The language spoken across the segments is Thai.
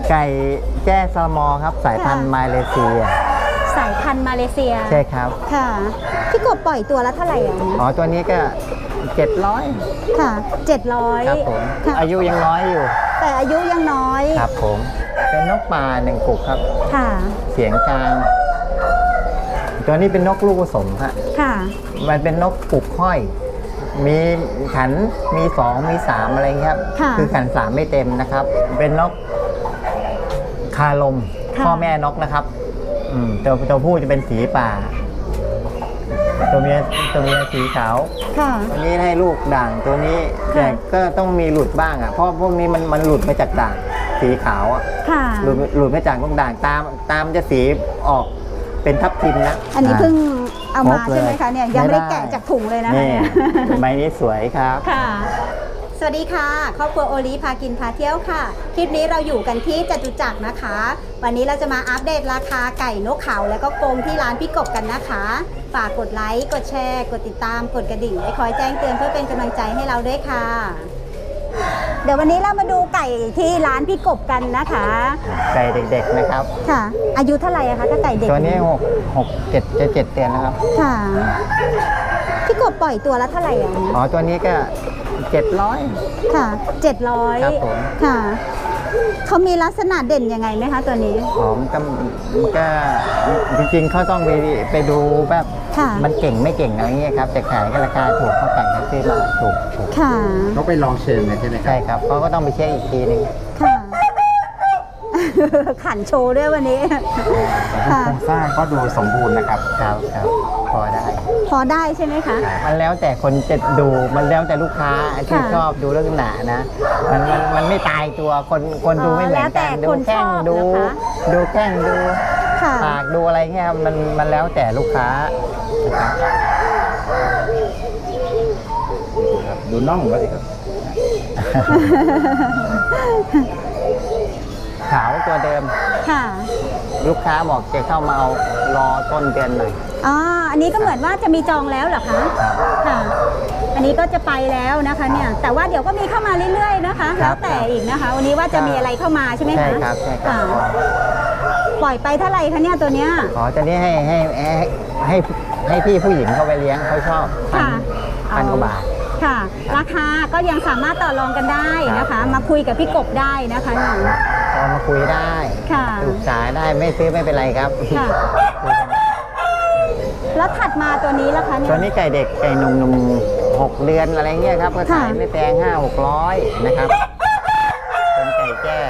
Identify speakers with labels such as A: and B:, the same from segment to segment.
A: ไก่แจ้ซอมอครับสายพันธุ์มาเลเซีย
B: สายพันธุ์มาเลเซีย
A: ใช่ครับ
B: ค่ะพี่กบปล่อยตัวละเท่าไหร่อ่ะ
A: อ๋อตัวนี้ก็700
B: ค่ะ700
A: ครับผมอายุยังน้อยอยู่
B: แต่อายุยังน้อย
A: ครับผมเป็นนกป่า1 กุกครับ
B: ค่ะ
A: เสียงกลางตัวนี้เป็นนกลูกผสมฮะ
B: ค่ะ
A: มันเป็นนกปุกห้อยมีขันมี2มี3อะไรเงี้ยครับคือขัน3ไม่เต็มนะครับเป็นนกคาลมพ่อแม่นกนะครับตัวผู้จะเป็นสีป่าตัวเมียสีขาวตัวนี้ให้ลูกด่างตัวนี้แต่ก็ต้องมีหลุดบ้างอ่ะเพราะพวกนี้มันหลุดมาจากด่างสีขาวอ่ะหลุดมาจากลูกด่างตามจะสีออกเป็นทับทิมนะ
B: อันนี้เพิ่งเอามาใช่ไหมคะเนี่ยยังไม่ได้แกะจากถุงเลยนะ
A: เนี่ยใบนี้สวยครับ
B: ค่ะสวัสดีค่ะครอบครัวโอลิพากินพาเที่ยวค่ะคลิปนี้เราอยู่กันที่จตุจักรนะคะวันนี้เราจะมาอัปเดตราคาไก่นกเขาและก็กรงที่ร้านพี่กบกันนะคะฝากกดไลค์กดแชร์กดติดตามกดกระดิ่งไว้คอยแจ้งเตือนเพื่อเป็นกำลังใจให้เราด้วยค่ะเดี๋ยววันนี้เรามาดูไก่ที่ร้านพี่กบกันนะคะ
A: ไก่เด็กๆนะครับ
B: ค่ะอายุเท่าไหร่คะถ้าไก่เด็ก
A: ตัวนี้7 เดือนนะครับ
B: ค่ะพี่กบปล่อยตัวละเท่าไหร่
A: อ๋อตัวนี้ก็700
B: ค่ะ700
A: ครับผม
B: ค่ะเขามีลักษณะเด่นยังไงไหมคะตัวนี้
A: หอมก็จริงๆเขาต้องไปดูแบบมันเก่งไม่เก่งอะไรเงี้ยครับแต่ขายก็ราคาถูกเขาไก่เขาซื้อมาถูก
B: ค่ะ
A: เขาไปลองเชิงเลยใช่ไหมครับใช่ครับเขาก็ต้องไปเช็คอีกทีนึง
B: ค่ะขันโชว์ด้วยวันนี้
A: โครงสร้างก็ดูสมบูรณ์นะครับครับพอได้
B: ใช่ไหมคะ
A: มันแล้วแต่คนจะดูมันแล้วแต่ลูกค้าที่ชอบดูลักษณะนะมันไม่ตายตัวคนดูไม่เหมือนกันดูแข้งดูแข้งดูปากดูอะไรเงี้ยมันแล้วแต่ลูกค้าดูน่องก็สิครับขาวตัวเดิม
B: ค่ะ
A: ลูกค้าบอกจะเข้ามาเอารอต้นเดือนหน่อย
B: อ๋ออันนี้ก็เหมือนว่าจะมีจองแล้วเหรอคะค่ะอันนี้ก็จะไปแล้วนะคะเนี่ยแต่ว่าเดี๋ยวก็มีเข้ามาเรื่อยๆนะคะแล้วแต่อีกนะคะวันนี้ว่าจะมีอะไรเข้ามาใช่ไหมคะ
A: ใช่ครับ
B: ปล่อยไปเท่าไหร่คะเนี่ยตัวเนี้ย
A: ขอจะนี้ให้พี่ผู้หญิงเขาไปเลี้ยงเขาชอบ1,000 กว่าบาท
B: ค่ะราคาก็ยังสามารถต่อรองกันได้นะคะมาคุยกับพี่กบได้นะคะ
A: มาคุยได้ปรึกษาได้ไม่ซื้อไม่เป็นไรครับ
B: แล้วถัดมาตัวนี้ล่ะคะเนี่ย
A: ตัวนี้ไก่เด็กไก่หนุ่ม6 เดือนอะไรเงี้ยครับก็ขายไม่แพง500-600นะครับเป็นไก่แจ้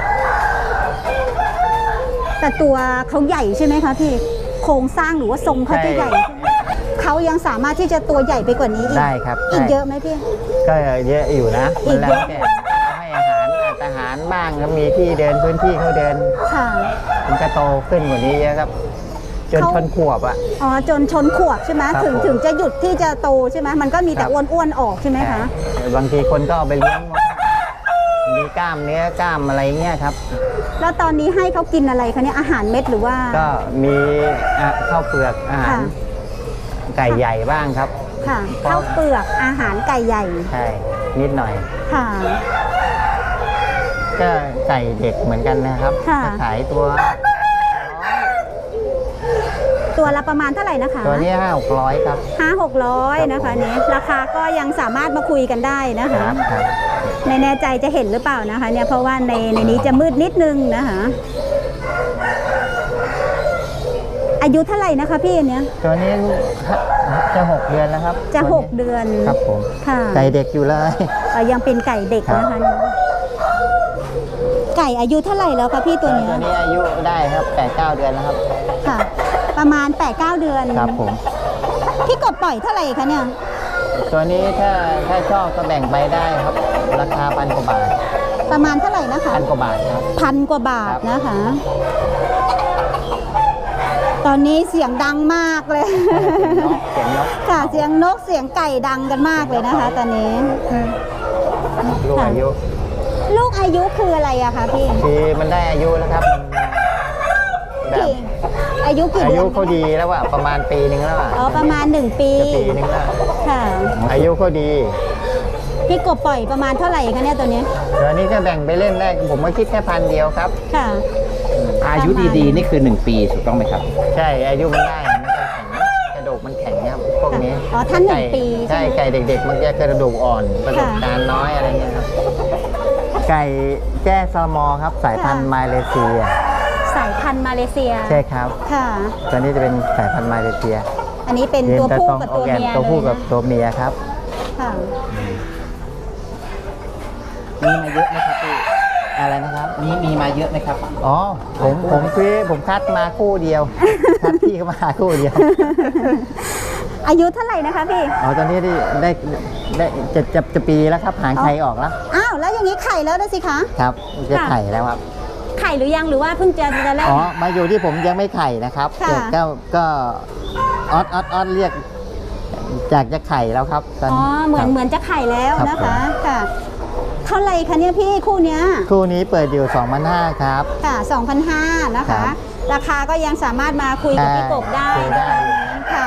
B: แต่ตัวเขาใหญ่ใช่ไหมคะพี่โครงสร้างหรือว่าทรงเขาจะใหญ่เขายังสามารถที่จะตัวใหญ่ไปกว่านี้
A: ได้ครับ
B: อีกเยอะไหมพี่
A: ก็เยอะอยู่นะมันแล้วแต่ให้อาหารบ้างก็มีที่เดินพื้นที่เขาเดินมันก็โตขึ้นกว่านี้เยอะครับจนชนขวบอ่ะ
B: อ๋อจนชนขวบใช่ไหมถึงจะหยุดที่จะโตใช่ไหมมันก็มีแต่อ้วนๆออกใช่ไหมคะ
A: บางทีคนก็เอาไปเลี้ยงมีกล้ามเนื้อกล้ามอะไรเงี้ยครับ
B: แล้วตอนนี้ให้เขากินอะไรคะเนี่ยอาหารเม็ดหรือว่า
A: ก็มีข้าวเปลือกอาหารไก่ใหญ่บ้างครับ
B: ค่ะข้าวเปลือกอาหารไก่ใหญ่
A: ใช่นิดหน่อย
B: ค่ะ
A: ก็ไก่เด็กเหมือนกันนะครับขายตัว
B: ละประมาณเท่าไหร่นะคะ
A: ตัวนี้500-600ครับ
B: 500-600นะคะเนี่ยราคาก็ยังสามารถมาคุยกันได้นะคะไม่แน่ใจจะเห็นหรือเปล่านะคะเนี่ยเพราะว่าในนี้จะมืดนิดนึงนะคะอายุเท่าไหร่นะคะพี่อันเนี้ย
A: ตัวนี้จะ6 เดือนแล้วครับ
B: จะ6 เดือน
A: ครับผม
B: ค่ะ
A: ไก่เด็กอยู่เลย
B: ยังเป็นไก่เด็กนะคะไก่อายุเท่าไหร่แล้วคะพี่ตัวนี้
A: อายุได้ครับ8-9 เดือนแล้วครับ
B: ค่ะประมาณ8-9 เดือน
A: ครับผม
B: พี่กบปล่อยเท่าไหร่คะเนี่ย
A: ตัวนี้ถ้าชอบก็แบ่งไปได้ครับราคา1,000 กว่าบาท
B: ประมาณเท่าไหร่นะคะ
A: 1,000 กว่าบาทครับ
B: 1,000 กว่าบาทนะคะตอนนี้เสียงดังมากเลย
A: เสียงนก
B: ค่ะเสียงนกเสียงไก่ดังกันมากเลยนะคะตอนนี้
A: ลูกอา
B: ยุคืออะไรอะคะพี่
A: คือมันได้อายุแล้วครับ
B: แบบอายุกี่เดือน
A: อายุเขาดีแล้วว่าประมาณปีนึงแล้ว
B: อ๋อประมาณ1 ปี
A: นึงแล้ว
B: ค่ะ
A: อายุเขาดี
B: พพี่กบปล่อยประมาณเท่าไหร่คะเนี่ยตัวนี้
A: ตัวนี้จะแบ่งไปเล่นได้ผมก็คิดแค่1,000ค่ะ
B: ค่ะ
C: อายุดีๆนี่คือ1 ปีถูกต้องไหมครับ
A: ใช่อายุมันได้มันจะแข็งกระดูกมันแข็งครับพวกนี้
B: อ๋อท่าน1 ปี
A: ใช่ไก่เด็กๆมันจะกระดูกอ่อนประสบการณ์น้อยอะไรเงี้ยครับไก่แจ้ซอมอครับสายพันธุ์มาเลเซีย
B: สายพันธุ์มาเลเซีย
A: ใช่ครับ
B: ค่ะ
A: ตัวนี้จะเป็นสายพันธุ์มาเลเซีย
B: อันนี้เป็นตัวผู้กับตัวเมีย
A: ตัวผู้กับตัวเมียครับ
B: ค่ะ
C: มีมาเยอะไหมครับพี่
A: อะไรนะครับ
C: มีมาเยอะไหมครับ
A: อ๋อผมคัดมาคู่เดียวคัดพี่ก็มาคู่เดียว
B: อายุเท่าไหร่นะคะพี่
A: อ๋อตอนนี้ได้จะปีแล้วครับหางไข่ออกแล้ว
B: อ้าวแล้วอย่างนี้ไข่แล้วได้สิคะ
A: ครับจะไข่แล้วครับ
B: ไข่หรือยังหรือว่าเพิ่งจะแรก
A: อ๋อมาอยู่ที่ผมยังไม่ไข่นะครับก็ออดเรียกจากจะไข่แล้วครับ
B: อ๋อเหมือนจะไข่แล้วนะคะค่ะเท่าไหร่คะเนี่ยพี่คู่นี้
A: เปิดอยู่ 2,500 ครับ
B: ค่ะ 2,500 นะคะราคาก็ยังสามารถมาคุยกับพี่กบได้นะคะค่ะ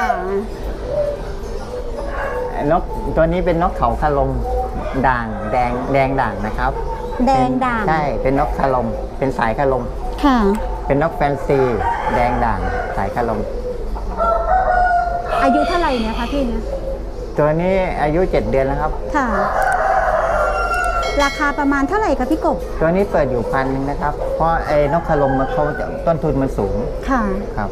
A: นกตัวนี้เป็นนกเขาคารมด่างแดงด่างนะครับ
B: แดงด่าง
A: ใช่เป็นนกคารมเป็นสายคารม
B: ค่ะ
A: เป็นนกแฟนซีแดงด่างสายคารม
B: อายุเท่าไหร่เนี่ยคะพี่เนี่ย
A: ตัวนี้อายุ7 เดือนแล้วครับ
B: ค่ะราคาประมาณเท่าไหร่คะพี่กบ
A: ตัวนี้เปิดอยู่1,000นะครับเพราะไอ้นกคารมเขาต้นทุนมันสูง
B: ค่ะ
A: ครับ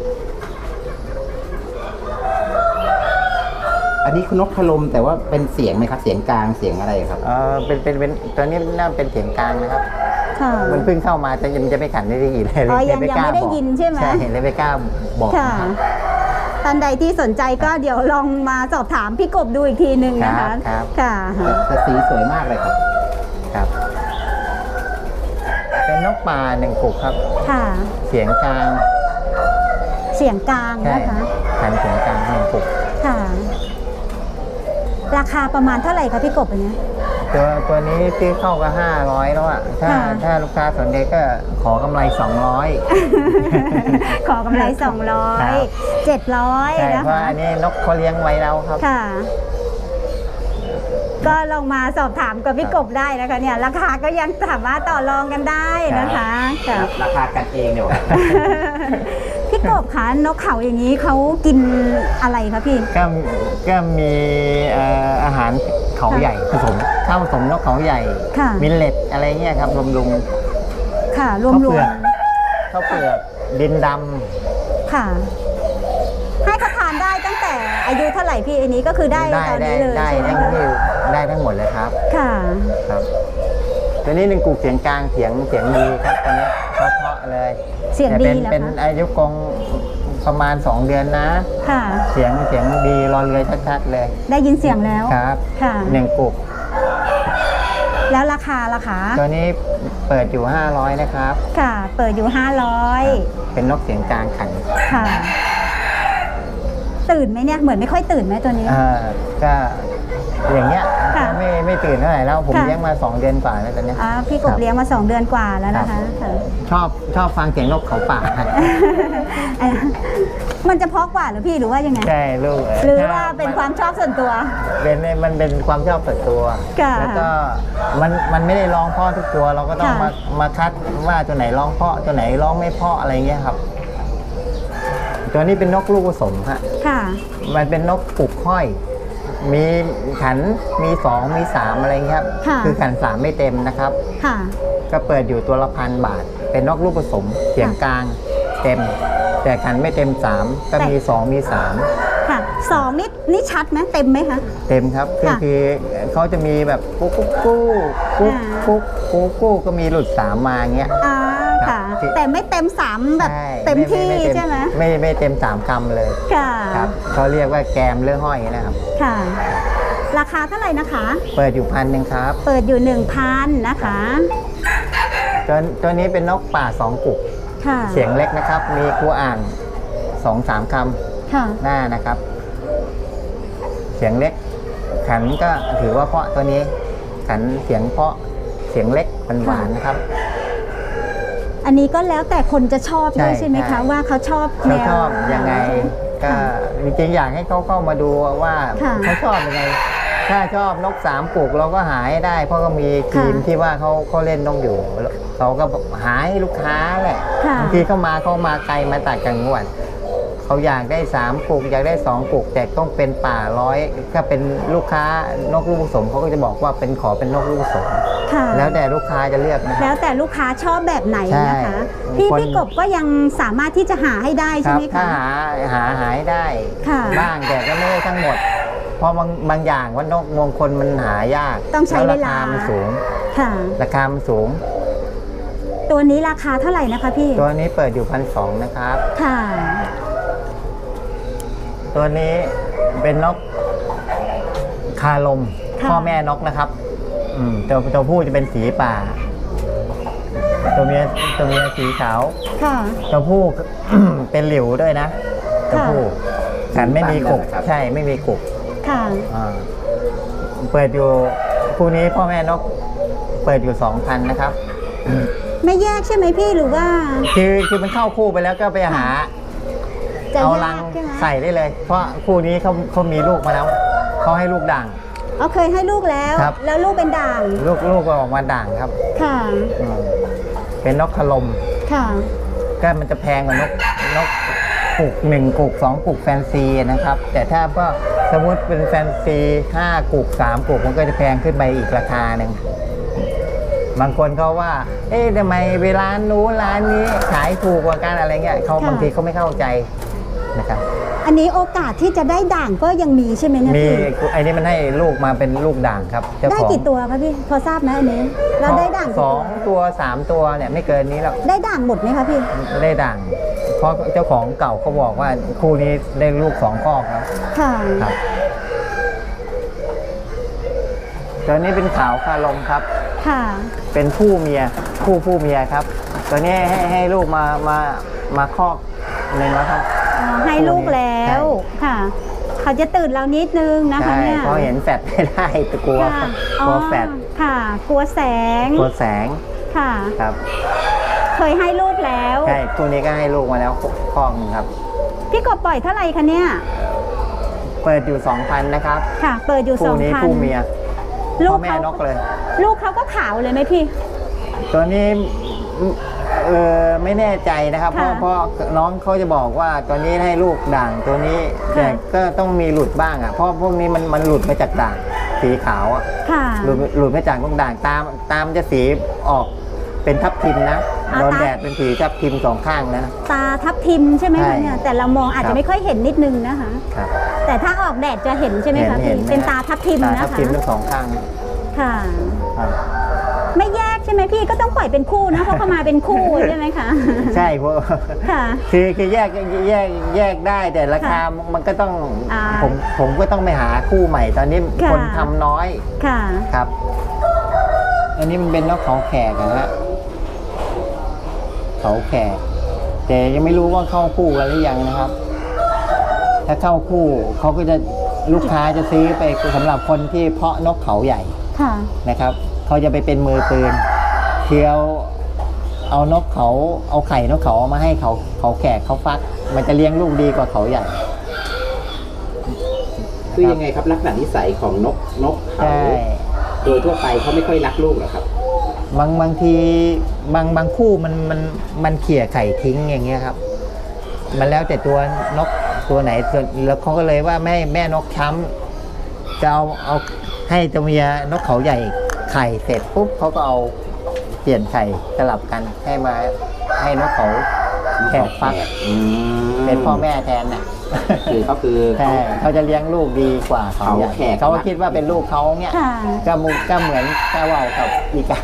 C: อันนี้คือนกคารมแต่ว่าเป็นเสียงไหมครับเสียงกลางเสียงอะไรครับ
A: เป็นตัวนี้น่าเป็นเสียงกลางนะครับค่ะมันเพิ่งเข้ามาแต่ยังจะไม่ขันได้ยินเลย
B: ยังไม่ได้ยินใช่ไหม
A: ใช่เลยไม่กล้าบอก
B: ค่ะท่านใดที่สนใจก็เดี๋ยวลองมาสอบถามพี่กบดูอีกทีหนึ่งนะคะ
A: ค่ะ
C: แต่สีสวยมากเลยครับ
A: ครับเป็นนกป่า1 กุกครับ
B: ค่ะ
A: เสียงกลาง
B: นะคะ
A: ขันเสียงกลาง1 กุก
B: ค่ะราคาประมาณเท่าไหร่คะพี่กบอันนี้
A: ตัวนี้ซื้อเข้าก็500แล้วอ่ะถ้าลูกค้าสนใจก็ขอกำไร200
B: ขอกำไร200 700
A: นะคะเพราะอันนี้นกเขาเลี้ยงไว้แล้วครับ
B: ค่ะก็ลองมาสอบถามกับพี่กบได้นะคะเนี่ยราคาก็ยังสามารถต่อรองกันได้นะคะ
C: ราคากันเองเดี๋ยว
B: พี่กบคะนกเขาอย่างนี้เขากินอะไรคะพี่
A: ก็มีอาหารเขาใหญ่ผสมข้าวผสมนกเขาใหญ่มิลเลตอะไรเงี้ยครับรวม
B: ค่ะรวม
A: ข้าวเปลือกดินดำ
B: ค่ะให้เขาทานได้ตั้งแต่อายุเท่าไหร่พี่อันนี้ก็คือได้ตอนนี้เลย
A: ใช่ไหมคะได้ทั้งหมดเลยครับ
B: ค่ะ
A: ครับตัวนี้1 กุกเสียงกลางเสียงดีครับตัวนี้เพราะเลย
B: เสียงดีแล้ว
A: เป็นอายุกงประมาณ2 เดือนนะ
B: ค่ะ
A: เสียงดีรอเรือชัดๆเลย
B: ได้ยินเสียงแล้ว
A: ครับ
B: ค่ะ
A: 1 กุก
B: แล้วราคา
A: ตัวนี้เปิดอยู่500นะครับ
B: ค่ะเปิดอยู่500
A: เป็นนกเสียงกลางขัน
B: ค่ะตื่นไหมเนี่ยเหมือนไม่ค่อยตื่นไหมตัวนี้
A: ก็อย่างเงี้ยไม่ตื่นเท่าไหร่แล้วผมเลี้ยงมา2 เดือนกว่าแล้วตอนนี้
B: พี่กบเลี้ยงมา2 เดือนกว่าแล้วนะคะ
A: ชอบฟังเสียงนกเขาป่า
B: มันจะเพาะกว่าหรือพี่หรือว่ายังไง
A: ใช่ลูก
B: หรือว่าเป็นความชอบส่วนตัว
A: มันเป็นความชอบส่วนตัวแล้วก็มันไม่ได้ร้องเพราะทุกตัวเราก็ต้องมาคัดว่าตัวไหนร้องเพราะตัวไหนร้องไม่เพราะอะไรเงี้ยครับตัวนี้เป็นนกลูกผสมฮะมันเป็นนกปลุกห้อยมีขันมี2มี3อะไรเงี้ยครับคือขัน3ไม่เต็มนะครับก็เปิดอยู่ตัวละ1,000 บาทเป็นนกลูกผสมเสียงกลางเต็มแต่ขันไม่เต็ม3ก็มี2มี3
B: ค่ะ2นี่ชัดไหมเต็มไหมคะ
A: เต็มครับคือเขาจะมีแบบกุ๊กก็มีหลุด3มาเงี้ย
B: ค่ะแต่ไม่เต็ม3แบบเต็มที่ใช่ไหม
A: ไม่เต็ม3 คำเลย
B: ค่ะ
A: ครับเขาเรียกว่าแกมเลื่อห้อยนะครับ
B: ค่ะราคาเท่าไหร่นะคะ
A: เปิดอยู่1,000ครับ
B: เปิดอยู่ 1,000 นะคะ
A: ตัวนี้เป็นนกป่า2 กุกเสียงเล็กนะครับมีกูอ่าง 2-3 คำหน้านะครับเสียงเล็กขันก็ถือว่าเพราะตัวนี้ขันเสียงเพราะเสียงเล็กหวานนะครับ
B: อันนี้ก็แล้วแต่คนจะชอบด้วยใช่ไหมคะว่าเขาชอบแนว
A: ยังไงก็จริงๆอยากให้เขาเข้ามาดูว่าเขาชอบยังไงถ้าชอบนกสามกุกเราก็หาให้ได้ เพราะก็มีทีมที่ว่าเขาเล่นนกอยู่เขาก็หาให้ลูกค้าแหละบางทีเขามาไกลมาตัดจังหวัดเขาอยากได้3กุกอยากได้2กุกแต่ต้องเป็นป่าร้อยถ้าเป็นลูกค้านกลูกผสมเขาก็จะบอกว่าขอเป็นนกลูกผสมแล้วแต่ลูกค้าจะเลือกนะ
B: แล้วแต่ลูกค้าชอบแบบไหนนะคะพี่กบก็ยังสามารถที่จะหาให้ได้ใช่ไหมคะ
A: ถ้าหาให้ได้บ้างแต่ก็ไม่ได้ทั้งหมดเพราะบางอย่างว่านกมงคลมันหายาก
B: ต้องใช้เวลา
A: มันสูงราคามันสูง
B: ตัวนี้ราคาเท่าไหร่นะคะพี่
A: ตัวนี้เปิดอยู่1,200นะครับค่ะตัวนี้เป็นนกคาลมพ่อแม่นกนะครับตัวผู้จะเป็นสีป่าตัวเมียสีขาวตัวผู้ เป็นหลิวด้วยนะตัวผู้ขันไม่มีกุกใช่ไม่มีกุกเปิดอยู่คู่นี้พ่อแม่นกเปิดอยู่ 2,000 นะครับ
B: ไม่แยกใช่ไหมพี่หรือว่า
A: คือมันเข้าคู่ไปแล้วก็ไปหาเอารังใส่ได้เลยเพราะคู่นี้เขามีลูกมาแล้วเขาให้ลูกด่าง
B: เคยให้ลูกแล้วแล้วลูกเป็นด่าง
A: ลูกก็ออกมาด่างครับค่ะเป็นนกขลมค่ะก็มันจะแพงกว่านกกุก1กุก2กุกแฟนซีนะครับแต่ถ้าก็สมมติเป็นแฟนซี5กุก3กุกมันก็จะแพงขึ้นไปอีกราคาหนึ่งบางคนเขาว่าทำไมเวลานู้นร้านนี้ขายถูกกว่ากันอะไรเงี้ยเขาบางทีเขาไม่เข้าใจนะครับ
B: อันนี้โอกาสที่จะได้ด่างก็ยังมีใช่ไหมเนี่ย
A: พี่มีอันนี้มันให้ลูกมาเป็นลูกด่างครับ
B: ได้กี่ตัวครับพี่พอทราบไหมอันนี้เราได้ด่าง
A: 2ตัว3ตัวเนี่ยไม่เกินนี้แล้ว
B: ได้ด่างหมดไหมคะพี่
A: ได้ด่างเพราะเจ้าของเก่าเขาบอกว่าคู่นี้ได้ลูก2 คอกแล้วค่ะครับตัวนี้เป็นขาวคาลมครับค่ะเป็นผู้เมียครับตัวนี้ให้ลูกมาคอกหนึ่งแล้วครับ
B: ให้ลูกแล้วค่ะเขาจะตื่นเรานิดนึงนะคะเนี่ย
A: เพราะเห็นแฟดไม่ได้กลัวแฟด
B: ค่ะกลัวแสงค่ะ
A: ครับ
B: เคยให้ลูกแล้ว
A: ใช่ตัวนี้ก็ให้ลูกมาแล้วคอกนึงครับ
B: พี่กบปล่อยเท่าไหร่คะเนี่ย
A: เปิดอยู่ 2,000 นะครับ
B: ค่ะเปิดอยู่ 2,000
A: คู่นี้คู่เมียพ่อแม่นกเลย
B: ลูกเขาก็ขาวเลยไหมพี่
A: ตัวนี้ไม่แน่ใจนะครับเพราะน้องเขาจะบอกว่าตัวนี้ให้ลูกด่างตัวนี้แต่ก็ต้องมีหลุดบ้างอ่ะเพราะพวกนี้มันหลุดมาจากด่างสีขาวอ่ะหลุดมาจากลูกด่างตามจะสีออกเป็นทับทิมนะโดนแดดเป็นสีทับทิม2 ข้างนะ
B: ตาทับทิมใช่ไหมคะเนี่ยแต่เรามองอาจจะไม่ค่อยเห็นนิดนึงนะคะแต่ถ้าออกแดดจะเห็นใช่ไหมคะเป็นตาทับทิมนะคะ
A: ทับทิมทั้ง2 ข้าง
B: ค่ะไม่แยกใช่ไหมพี่ก็ต้องปล่อยเป็นคู่นะเพราะเขามาเป็นคู่ใช่ไหมคะ
A: ใช่เพราะคือแยกได้แต่ราคามันก็ต้องผมก็ต้องไปหาคู่ใหม่ตอนนี้คนทำน้อยค่ะครับอันนี้มันเป็นนกเขาแขกนะฮะเขาแขกแต่ยังไม่รู้ว่าเข้าคู่กันหรือยังนะครับถ้าเข้าคู่เขาก็จะลูกค้าจะซื้อไปสำหรับคนที่เพาะนกเขาใหญ่นะครับเขาจะไปเป็นมือปืนเที่ยวเอานกเขาเอาไข่นกเขามาให้เขาแขกเขาฟักมันจะเลี้ยงลูกดีกว่าเขาใหญ่
C: คือยังไงครับลักษณะนิสัยของนกเขาโดยทั่วไปเขาไม่ค่อยรักลูกหรอครับ
A: บางทีบางคู่มันเขี่ยไข่ทิ้งอย่างเงี้ยครับมันแล้วแต่ตัวนกตัวไหนแล้วเขาก็เลยว่าแม่นกช้ำจะเอาให้ตัวเมียนกเขาใหญ่ไข่เสร็จปุ๊บเขาก็เอาเปลี่ยนไข่สลับกันให้นกเขาแขกฟักเป็นพ่อแม่แทนน่ะเขาจะเลี้ยงลูกดีกว่าเขาแขกเขาคิดว่าเป็นลูกเขาเนี่ยก็เหมือนกระว่าวกับอีกา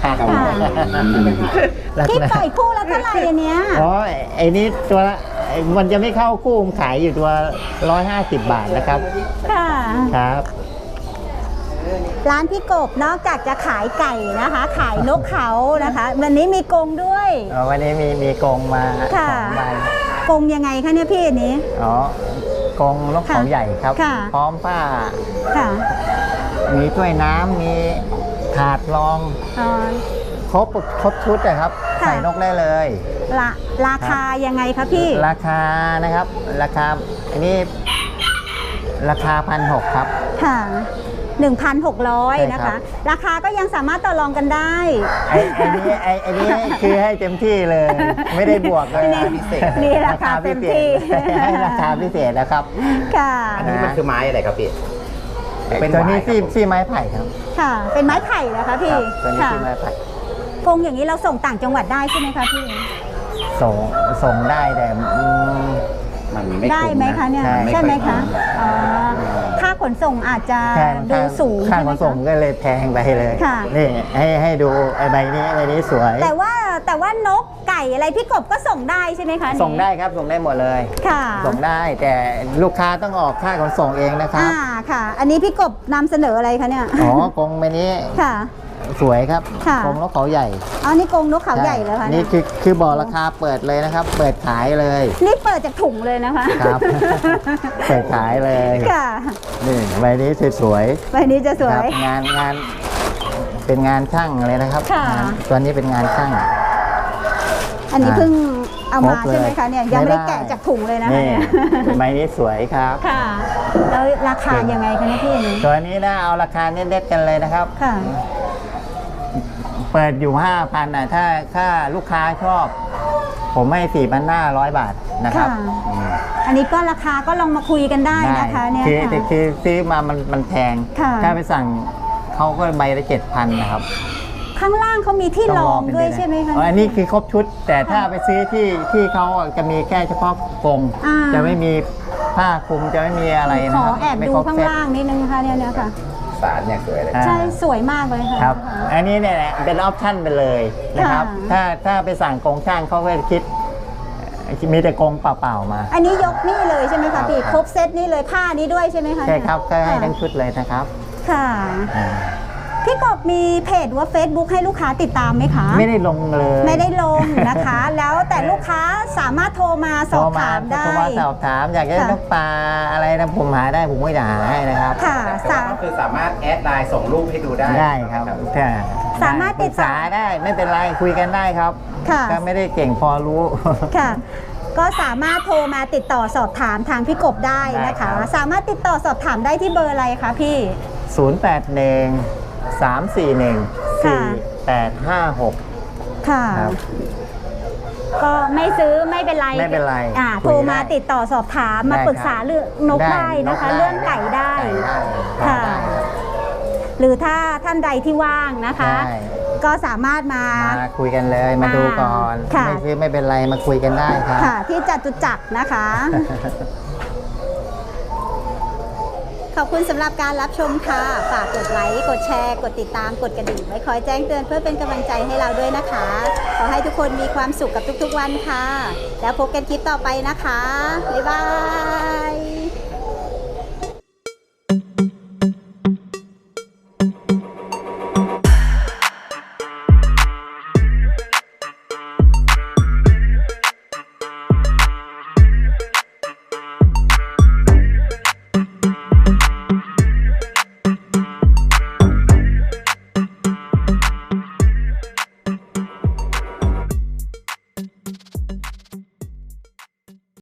B: ที่ปล่อยคู่แล้วเท่าไหร่อันเนี้ย
A: ไอ้นี้ตัวละมันจะไม่เข้าคู่ขายอยู่ตัว150 บาทนะครับครับ
B: ร้านพี่กบนอกจากจะขายไก่นะคะขายนกเขานะคะวันนี้มีกรงด้วย
A: วันนี้มีกรงมา2 ใบ
B: กรงยังไงคะเนี่ยพี่อันนี้
A: กรงนกเขาใหญ่ครับพร้อมผ้ามีถ้วยน้ำมีถาดรองครบชุดนะครับใส่นกได้เลย
B: ราคายังไงคะพี่
A: ราคานะครับราคาอันนี้ราคา1,600ครับค่ะ
B: 1,600 นะคะ ราคาก็ยังสามารถต่อรองกันได้
A: ไอ้นี้คือให้เต็มที่เลย ไม่ได้บวกเลย
C: พิเศษ
B: นี่ราคาเต็มที่
A: ให้ราคาพิเศษนะครับ
B: ค่ะ
C: อันนี้มันคือไม้อะไรครับพี่
A: ตัวนี้
C: หวาย
A: ซี่ไม้ไผ่ครับ
B: ค่ะ เป็นไม้ไผ่นะคะพี่
A: ครับตัวนี้
B: ค่ะ
A: ซี่ไม้ไผ่
B: กรงอย่างนี้เราส่งต่างจังหวัดได้ใช่ไหมคะพี่
A: ส่งได้แต่
C: มันไม่
B: ได้ไหมคะเนี่ย ใช่ไหมคะอ๋อค่าขนส่งอาจจะ
A: ใช่
B: ดูสูง
A: ค่า
B: ใช่ไห
A: ข
B: ม
A: นส่ง
B: คะ
A: ก็เลยแพงไปเลย
B: ค่ะ
A: นี่ให้ดูไอ้ใบนี้สวย
B: แต่ว่านกไก่อะไรพี่กบก็ส่งได้ใช่ไหมคะ
A: ส่งได้ครับส่งได้หมดเลย
B: ค่ะ
A: ส่งได้แต่ลูกค้าต้องออกค่าขนส่งเองนะครับ
B: ค่ะ อันนี้พี่กบนำเสนออะไรคะเนี่ย
A: อ๋อกรงใบนี้
B: ค่ะ
A: สวยครับ
B: ค่ะ
A: กรงนกเขาใหญ่
B: อ๋อนี่กรงนกเขาใหญ่แล้วค่ะ
A: นี่คือบอกราคาเปิดเลยนะครับ เปิดขายเลย
B: นี่เปิดจากถุงเลยนะคะ
A: ครับ เปิดขายเลย
B: ค่ะ
A: นี่ใบนี้สวย
B: ใบนี้จะส
A: ๆ
B: ว
A: ค
B: ย
A: รับงานเป็นงานช่างเลยนะครับ
B: ค่ะ
A: งานตัวนี้เป็นงานช่าง
B: อันนี้เพิ่งเอามา
A: ครบเลย
B: ใช่ไหมคะเนี่ยยังไม่ได้
A: ไม่ได้
B: แกะจากถุงเลยนะคะ
A: นี่
B: เนี่ย
A: ใบนี้สวยครับ
B: ค่ะ แล้วราคายังไงคะเนี่ยพี่อันนี้
A: ตัวนี้นะเอาราคาเน็ตๆกันเลยนะครับ
B: ค่ะ
A: เปิดอยู่ 5,000นะถ้าลูกค้าชอบ ผมให้4,500 บาทนะครับ
B: ค่ะ อันนี้ก็ราคาก็ลองมาคุยกันได้นะคะเนี่ย
A: คือ
B: ค่ะ
A: คือซื้อมามันแพง
B: ค่ะ
A: ถ้าไปสั่งเขาก็ใบละ7,000นะครับ
B: ข้างล่างเขามีที่รองด้วยใช่ไหมคะ
A: อ๋ออันนี้คือครบชุด แต่ถ้าไปซื้อที่เขาจะมีแค่เฉพาะกรง
B: อ่า
A: จะไม่มีผ้าคลุมจะไม่มีอะไร
B: ข
A: นะ
B: อ
A: ครับ
B: แอบ
A: ไม่
B: ดู
A: ครบ
B: ข้าง
A: เซ็ต
B: ล่างนิดนึงค่ะเนี่ยค่ะ
C: สารเนี่ยสวยเลย
A: อ่า
B: ใช่สวยมากเลยค่ะ
A: ครับ อันนี้เนี่ยเป็นออปชั่นไปเลยนะครับ
B: ค่ะ
A: ถ้าไปสั่งกรงช่างเขาก็จะคิด มีแต่กรงเปล่าๆมา
B: อันนี้ยกนี่เลยใช่ไหม
A: ครั
B: คะ
A: บ
B: พี่ครบเซตนี่เลยผ้านี้ด้วยใช่ไหมคะ
A: ใช่ครับก็ให้
B: ค่ะ
A: ทั้งชุดเลยนะครับ
B: ค่ะ
A: อ่า
B: พี่กบมีเพจว่า Facebook ให้ลูกค้าติดตามไหมคะ
A: ไม่ได้ลงเลย
B: ไม่ได้ลงนะคะ แล้วแต่ลูกค้าสามารถโทรมาสอบถามได้
A: โทรมาสอบถามอยากได้
B: ค่ะ
A: นกปลาอะไรนะผมหาได้ผมก็จะหาให้นะครับ
B: ค่ะ
C: แต่ว่าก็คือสามารถแอดไลน์ส่งรูปให้ดูได้
A: ได้ครับถ้
B: สามารถติดต่อ
A: ปรึกษาได้ไม่เป็นไรคุยกันได้ครับ
B: ค่ะ
A: ก็ไม่ได้เก่งพอรู้
B: ค่ะ ก็สามารถโทรมาติดต่อสอบถามทางพี่กบได้นะ
A: ได้ครั
B: คะ
A: บ
B: สามารถติดต่อสอบถามได้ที่เบอร์อะไรคะพี่
A: 081-341-4856
B: ค่ะ
A: ครับ
B: ก็ไม่ซื้อไม่เป็นไร
A: ไม่เป็นไร
B: โทรมาติดต่อสอบถามมา
A: ได้
B: ปรึกษาเรื่องนกได้นะคะ
A: นก
B: เรื่องไก่ได้
A: ค่ะ
B: ค่ะ หรือถ้าท่านใดที่ว่างนะคะ
A: ได้
B: ก็สามารถมา
A: มาคุยกันเลยมาดูก่อน
B: ค่ะ
A: ไม่ซื้อไม่เป็นไรมาคุยกันได้ครับ
B: ค่ะ ที่จตุจักรนะคะ ขอบคุณสำหรับการรับชมค่ะ ฝากกดไลค์ กดแชร์ กดติดตาม กดกระดิ่งไว้คอยแจ้งเตือนเพื่อเป็นกำลังใจให้เราด้วยนะคะ ขอให้ทุกคนมีความสุขกับทุกๆวันค่ะ แล้วพบกันคลิปต่อไปนะคะ บ๊ายบาย